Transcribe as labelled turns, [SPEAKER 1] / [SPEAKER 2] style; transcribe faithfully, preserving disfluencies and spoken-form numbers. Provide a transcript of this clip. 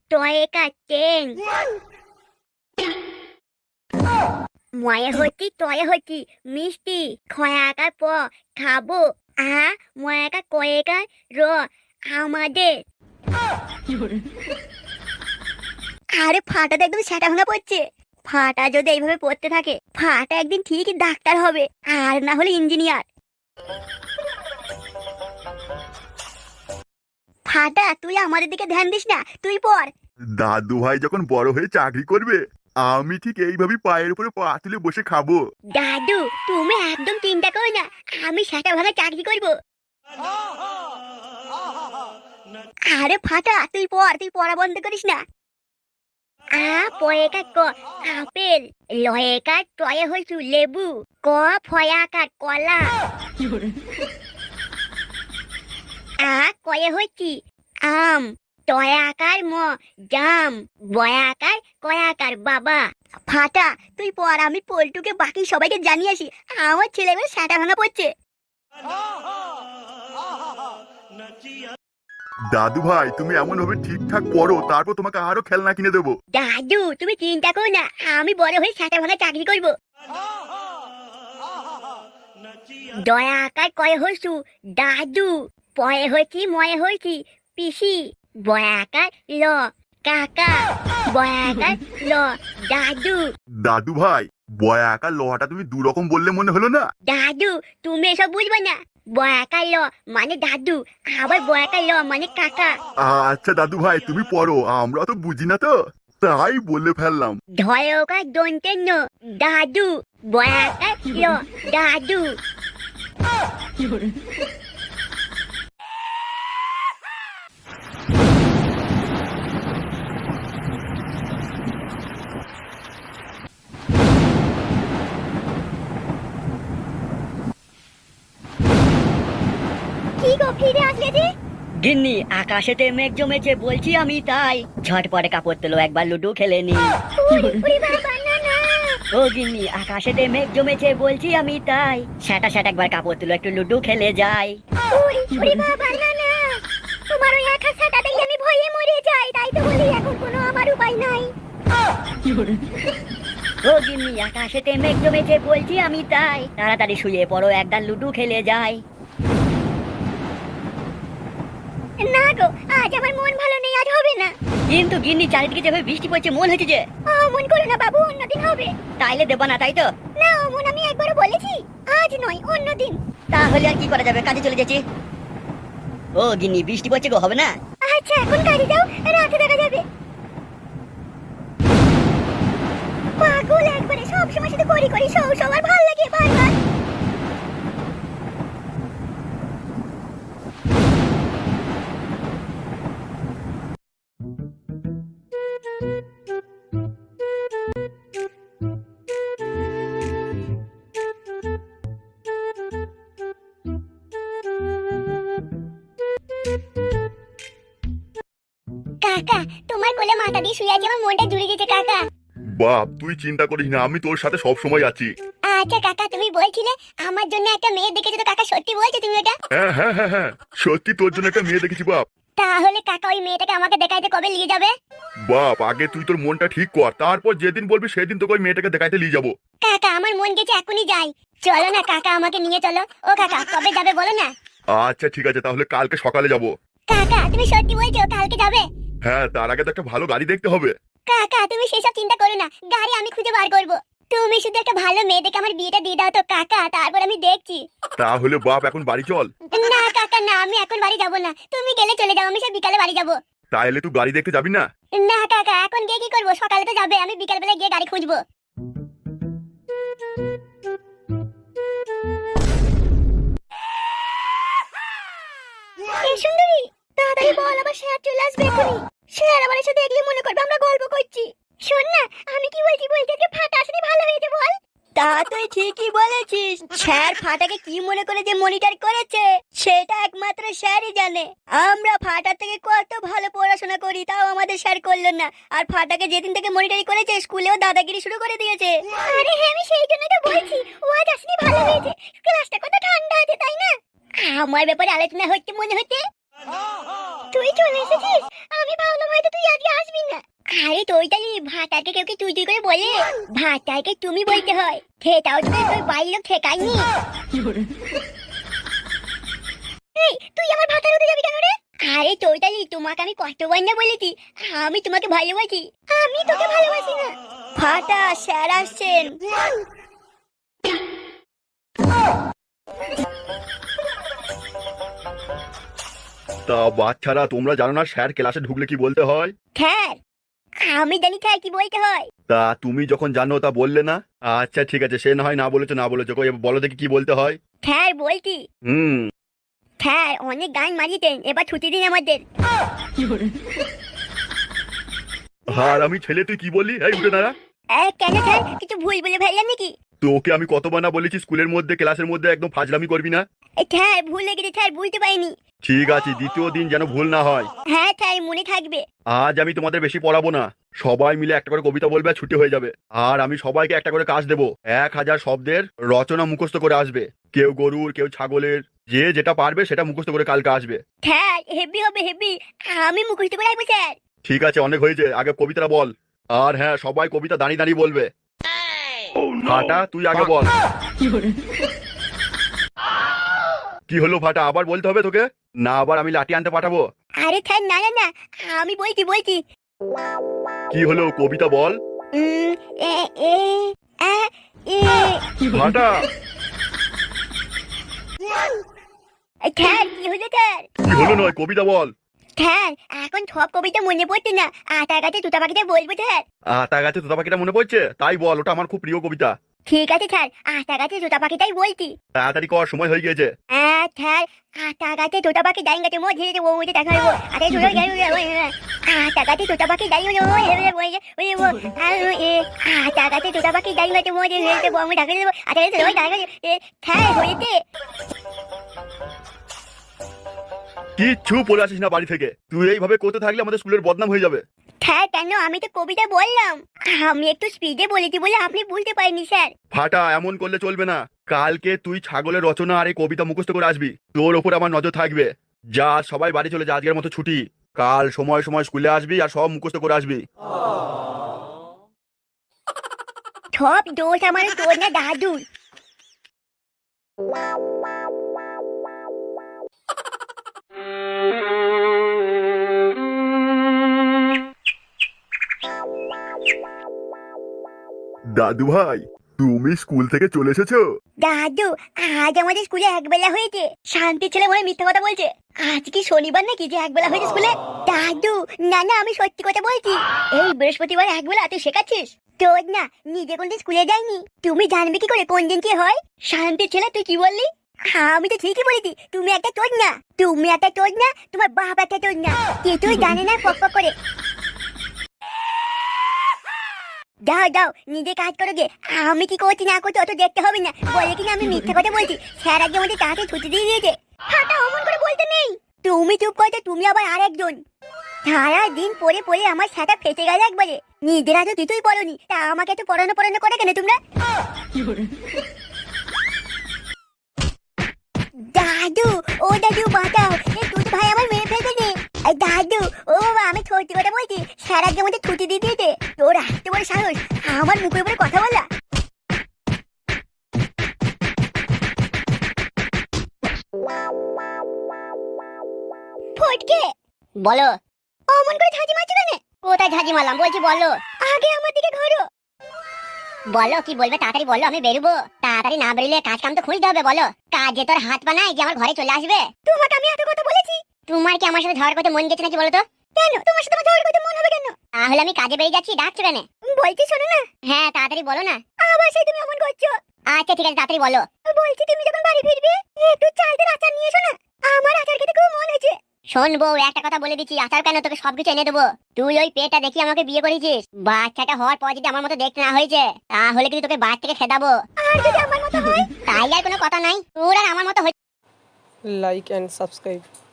[SPEAKER 1] টয়কার ten ময়ে হচ্ছি তয়ে হচ্ছি মিষ্টি খয়াকার প খাবো আ ময়াকার কয়েকার র আমাদের। আরে ফাটাতে একদম সেটা ভাঙা পড়ছে। ফাটা যদি এইভাবে পড়তে থাকে ফাটা একদিন ঠিকই ডাক্তার হবে আর না হলে ইঞ্জিনিয়ার। ফাটা তুই আমাদের দিকে ধ্যান দিস না, তুই পড়।
[SPEAKER 2] দাদু ভাই যখন বড় হয়ে চাকরি করবে আমি ঠিক এইভাবেই পায়ের উপরে পা তুলে বসে খাবো।
[SPEAKER 1] দাদু তুমি একদম চিন্তা করো না, আমি সেটা ভাঙা চাকরি করবো। আরে ফাটা তুই পড়, তুই পড়া বন্ধ করিস না। আ পয়েকার ক আপেল, লয়েকার টয়ে হইছু লেবু, ক ফয়াকার কলা, আ কয়ে হইছি আম, টয়াকার ম জাম, বয়াকার কয়াকার বাবা। ফাটা তুই পড়, আমি পল্টুকে বাকি সবাইকে জানিয়ে আসি আমার ছেলেমেয়ে সেটা ভাঙা পড়ছে।
[SPEAKER 2] দাদু ভাই তুমি এমন ভাবে ঠিকঠাক পড়ো তারপর তোমাকে আরো খেলনা কিনে দেবো।
[SPEAKER 1] দাদু তুমি চিন্তা করো না, আমি বড় হয়ে সেটা ভাঙা চাকরি করবো। দয়া আকার কয়ে হইছু দাদু, পয়ে হইছি ময়ে হইছি পিসি, বয়া আকার ল কাকা, বয়া আকার ল দাদু।
[SPEAKER 2] দাদু ভাই বয়া আঁকা লোহাটা তুমি দু রকম বললে মনে হলো না?
[SPEAKER 1] দাদু তুমি এসব বুঝবে না, বয়াকার ল মানে দাদু, আবার বয়াকার ল মানে কাকা।
[SPEAKER 2] আচ্ছা দাদু ভাই তুমি পড়ো, আমরা তো বুঝি না তো তাই বলে ফেললাম।
[SPEAKER 1] ধয়কার দন্তের ন দাদু, বয়াকার ল দাদু। কি গো ফিরে আসলে যে?
[SPEAKER 3] গিন্নি আকাশেতে মেঘ জমেছে বলছি আমি তাই ঝটপটে কাপড় তোলো একবার লুডু খেলে নি।
[SPEAKER 1] উড়ি উড়ি বাবা না না।
[SPEAKER 3] ও গিন্নি আকাশেতে মেঘ জমেছে বলছি আমি তাই সেটা সেটা একবার কাপড় তুলো একটু লুডু খেলে যাই।
[SPEAKER 1] উড়ি উড়ি বাবা না না। তোমার ওই একা ছাতা দেখলে আমি ভয়ে মরে যাই, তাই তো বলি এখন কোনো আমার উপায় নাই।
[SPEAKER 3] ও গিন্নি আকাশেতে মেঘ জমেছে বলছি আমি তাই তাড়াতাড়ি শুয়ে পড়ো একবার লুডু খেলে যাই।
[SPEAKER 1] না গো আজ আমার মন ভালো নেই, আজ হবে না।
[SPEAKER 3] কিন্তু গিন্নি চারিদিকে যেভাবে বৃষ্টি পড়ছে মন হয়েছে যে।
[SPEAKER 1] ও মন করো না বাবু, অন্যদিন হবে।
[SPEAKER 3] তাইলে দেবো না তাই তো?
[SPEAKER 1] না মন আমি একবারও বলেছি, আজ নয় অন্যদিন।
[SPEAKER 3] তাহলে আর কি করা যাবে, কাজে চলে যাচ্ছি। ও গিন্নি বৃষ্টি পড়ছে গো, হবে না?
[SPEAKER 1] আচ্ছা এখন কাজে যাও, রাতে দেখা যাবে। পাগল একবারে, সব সময় শুধু করি করি সব সবার ভালো লাগে বারবার। কাকা তোমার কোলে মাথা দিয়ে শুয়ে আছি, আমার মনটা জুড়ে গেছে কাকা।
[SPEAKER 2] বাপ তুই চিন্তা করিস না, আমি তোর সাথে সব সময় আছি।
[SPEAKER 1] আচ্ছা কাকা তুমি বলছিলে আমার জন্য একটা মেয়ে দেখেছো, তো কাকা সত্যি বলছো তুমি ওটা?
[SPEAKER 2] হ্যাঁ হ্যাঁ হ্যাঁ হ্যাঁ সত্যি তোর জন্য একটা মেয়ে দেখেছি বাপ।
[SPEAKER 1] তাহলে কাকা ওই মেয়েটাকে আমাকে দেখাইতে কবে নিয়ে যাবে?
[SPEAKER 2] বাপ আগে তুই তোর মনটা ঠিক কর, তারপর যেদিন বলবি সেদিন তোকে ওই মেয়েটাকে দেখাইতে নিয়ে যাবো।
[SPEAKER 1] কাকা আমার মন গেছে এখনই যাই, চলো না কাকা আমাকে নিয়ে চলো। ও কাকা কবে যাবে বলো না?
[SPEAKER 2] আচ্ছা ঠিক আছে তাহলে কালকে সকালে যাবো।
[SPEAKER 1] কাকা তুমি সত্যি বলছো কালকে যাবে?
[SPEAKER 2] হ্যাঁ তার আগে তো একটা ভালো গাড়ি দেখতে হবে।
[SPEAKER 1] কাকা তুমি সেসব চিন্তা করো না, গাড়ি আমি খুঁজে বার করবো। তুমি শুধু একটা ভালো মেয়ে দেখে আমার বিয়েটা দিয়ে দাও তো কাকা, তারপর আমি দেখছি।
[SPEAKER 2] তাহলে বাপ এখন বাড়ি চল।
[SPEAKER 1] না কাকা না, আমি এখন বাড়ি যাবো না, তুমি গেলে চলে যাও, আমি সে বিকালে বাড়ি যাবো।
[SPEAKER 2] তাহলে তুই গাড়ি দেখতে যাবি না?
[SPEAKER 1] না কাকা এখন গিয়ে কি করবো, সকালে তো যাবে, আমি বিকাল বেলা গিয়ে গাড়ি খুঁজবো। এই সুন্দরী তাড়াতাড়ি বল, আবার শেয়ার চলে আসবে এখনই। শেয়ার আবার এসে দেখলে মনে করবে আমরা গল্প করছি। শোন না আমি কি বলছি, বলতে যে ফাটা আসলে ভালো হয়েছে বল।
[SPEAKER 3] তা তুই ঠিকই বলেছিস, স্যার ফাটাকে কি মনে করে যে মনিটর করেছে সেটা একমাত্র স্যারই জানে। আমরা ফাটার থেকে কত ভালো পড়াশোনা করি তাও আমাদের স্যার করলো না, আর ফাটাকে যেদিন থেকে মনিটরি করেছে স্কুলেও দাদাগিরি শুরু করে দিয়েছে।
[SPEAKER 1] আরে হ্যাঁ আমি সেই জন্যই তো বলছি ও আজ আসলে ভালো হয়েছে, ক্লাসটা কত ঠান্ডা আছে তাই না? আমার ব্যাপারে আলোচনা হচ্ছে মনে হচ্ছে। তুই চলে এসেছিস? আমি ভাবলাম হয়তো তুই আজকে আসবি না। আরে তোইটালি ভাতাকে কেউ কি তুই তুই করে বলে? ভাতাকে তুমি বলতে হয়, সেটাও তো তোর বাড়ির লোক ঠেকায়নি। এই তুই আমার ভাতার হতে যাবি কেন রে? আরে তোইটালি তোমাকে আমি কতবার না বলেছি আমি তোমাকে ভালোবাসি। আমি তোকে ভালোবাসি না।
[SPEAKER 3] ফাটা, স্যার আসছেন।
[SPEAKER 2] তা বাচ্চারা তোমরা জানো না স্যার ক্লাসে ঢুকলে কি বলতে হয়?
[SPEAKER 1] স্যার আমি জানি স্যার কি বলতে হয়।
[SPEAKER 2] তা তুমি যখন জানো তা বললে না? আচ্ছা ঠিক আছে, সে না হয় না বলেছো না বলেছো, কই এবার বলো দেখি কি বলতে হয়।
[SPEAKER 1] স্যার বলছি,
[SPEAKER 2] হুম।
[SPEAKER 1] স্যার অনেক গান মারিতেন, এবার ছুটি দিন আমাদের।
[SPEAKER 2] আর আমি ছেলে তুই কি বললি? এই উঠে দাঁড়া।
[SPEAKER 1] এ, কেন স্যার কিছু ভুল বলে ফেললাম নাকি?
[SPEAKER 2] তোকে আমি কতবার না বলেছি স্কুলের মধ্যে ক্লাসের মধ্যে একদম ফাজলামি করবি না।
[SPEAKER 1] এ, স্যার ভুল লেগেছে স্যার, বুঝতে পারিনি।
[SPEAKER 2] ঠিক আছে, দ্বিতীয় দিন যেন ভুল না হয়।
[SPEAKER 1] হ্যাঁ স্যার মনে থাকবে।
[SPEAKER 2] আজ আমি তোমাদের বেশি পড়াবো না, সবাই মিলে একটা করে কবিতা বলবে আর ছুটি হয়ে যাবে। আর আমি সবাইকে একটা করে কাজ দেবো, এক হাজার শব্দের রচনা মুখস্থ করে আসবে। কেউ গরুর, কেউ ছাগলের, যে যেটা পারবে সেটা মুখস্থ করে কালকে আসবে।
[SPEAKER 1] স্যার হেভি হবে হেভি, আমি মুখস্থ করে আসবো স্যার।
[SPEAKER 2] ঠিক আছে, অনেক হয়েছে, আগে কবিতাটা বল। আর হ্যাঁ, সবাই কবিতা দাঁড়িয়ে দাঁড়িয়ে বলবে। ফাটা তুই আগে বল। কি হলো ফাটা, আবার বলতে হবে তোকে? না আবার আমি লাঠি আনতে পাঠাবো?
[SPEAKER 1] আরে স্যার না না না, আমি বলছি বলছি।
[SPEAKER 2] কি হলো, কবিতা বল।
[SPEAKER 1] উম, এ এ আ, এ
[SPEAKER 2] ফাটা
[SPEAKER 1] স্যার কি হলো স্যার?
[SPEAKER 2] কি হলো নয়, কবিতা বল।
[SPEAKER 1] স্যার এখন সব কবিতা মনে পড়ছে না, আটা গাছে তুতা পাখিটা বলবো স্যার।
[SPEAKER 2] আতা গাছে তোতা পাখিটা মনে পড়ছে, তাই বল, ওটা আমার খুব প্রিয় কবিতা।
[SPEAKER 1] ঠিক আছে স্যার, আটা গাছে তুতা পাখিটাই বলছি।
[SPEAKER 2] তাড়াতাড়ি কর, সময় হয়ে গিয়েছে।
[SPEAKER 1] হ্যাঁ স্যার, আটা গাছে তোতা পাখি ডাইন গাছে মো ধীরে ও ওইটা দেখা হইব। আরে শুনো আটা গাছে তোতা পাখি ডাইন গাছে মো ধীরে ওই ওই ও আটা গাছে তোতা পাখি ডাইন গাছে মো ধীরে ও আমি ঢাকা দেব। আটা গাছে ওই ঢাকা স্যার হয়েছে।
[SPEAKER 2] কিচ্ছু পড়ে আসিস না বাড়ি থেকে, তুই এইভাবে করতে থাকলে আমাদের স্কুলের বদনাম হয়ে যাবে।
[SPEAKER 1] স্যার কেন, আমি তো কবিতা বললাম, আমি একটু স্পিডে বলেছি বলে আপনি বুঝতে পারেননি স্যার।
[SPEAKER 2] ফাটা এমন করলে চলবে না, কালকে তুই ছাগলের রচনা আর এই কবিতা মুখস্থ করে আসবি, তোর ওপর আমার নজর থাকবে। যা সবাই বাড়ি চলে যা, আজকের মতো ছুটি। কাল সময় সময় স্কুলে আসবি আর সব মুখস্থ করে আসবি।
[SPEAKER 1] সব দোষ আমার তোর না দাদুর।
[SPEAKER 2] দাদু ভাই, তুমি স্কুল থেকে চলে এসেছো?
[SPEAKER 1] দাদু আজ আমাদের স্কুলে একবেলা হয়েছে। শান্তি ছেলে মনে মিথ্যা কথা বলছে। আজ কি শনিবার নাকি যে একবেলা হয়েছে স্কুলে? দাদু না না, আমি সত্যি কথা বলছি। এই বৃহস্পতিবার একবেলা তুই শেখাচ্ছিস? তোর না নিজে কোনদিন স্কুলে যায়নি, তুমি জানবে কি করে কোন দিন কি হয়? শান্তি ছেলে তুই কি বললি? আমি তো ঠিকই বলেছি, তুমি একটা তোর না, তুমি একটা তোর না, তোমার বাপ একটা তোর না, কিছুই জানে না পক পক করে। দাও দাও নিজে কাজ করো গে, আমি কি করছি না করছি অত দেখতে হবে না। বলে কিনা আমি মিথ্যা কথা বলছি, স্যার আজকে আমাদের তাড়াতাড়ি ছুটি দিয়ে দিয়েছে। হাঁটা অমন করে বলতে নেই। তুমি চুপ করতে, তুমি আবার আরেকজন। সারা দিন পড়ে পড়ে আমার সাটা ফেটে গেল একবারে। নিজেরা তো কিছুই পড়োনি, তা আমাকে তো পড়ানো পড়ানো করে কেন তোমরা? দাদু ও দাদু বাঁচাও, এই তুই ভাই আমার মেরে ফেলবে রে। এই দাদু ও বাবা, আমি সত্যি কথা বলছি, স্যার আজকে আমাদের ছুটি দিয়ে দিয়েছে। তোর এত বড় সাহস আমার মুখের উপরে কথা বলা? ফটকে বলো। অমন করে ঝাঁঝি মারছো কেন? কোথায় ঝাঁঝি মারলাম বলছি বলো। আগে আমার দিকে ঘোরো। বলো কি বলবে, তাড়াতাড়ি বলো, আমি বেরোবো। তাড়াতাড়ি না বেরোলে কাজ কাম তো খুঁজতে হবে। বলো, কাজে তোর হাত পা নাই যে আমার ঘরে চলে আসবে? তোমাকে আমি এত কথা বলেছি? তোমার কি আমার সাথে ঝগড়া করতে মন গেছে নাকি বলো তো? কেন তোমার সাথে আমার ঝগড়া করতে মন হবে কেন? তাহলে আমি কাজে বেরিয়ে যাচ্ছি, ডাকছো কেন? বলছি শোনো না। হ্যাঁ তাড়াতাড়ি বলো না। আবার সেই তুমি অমন করছো। আচ্ছা ঠিক আছে তাড়াতাড়ি বলো। বলছি তুমি যখন বাড়ি ফিরবে একটু চালদের আচার নিয়ে এসো না, আমার আচার খেতে খুব মন হয়েছে। শোন বউ, একটা কথা বলে দিচ্ছি, আচার কেন, তোকে সবকিছু এনে দেবো। তুই ওই পেটটা দেখি আমাকে বিয়ে করেছিস, বাচ্চাটা হওয়ার পর যদি আমার মতো দেখতে না হয়েছে তাহলে কিন্তু তোকে বাচ্চা থেকে খেদাবো। আর যদি আমার মতো হয় তাই আর কোনো কথা নাই, তোর আর আমার মতো।
[SPEAKER 4] like and subscribe.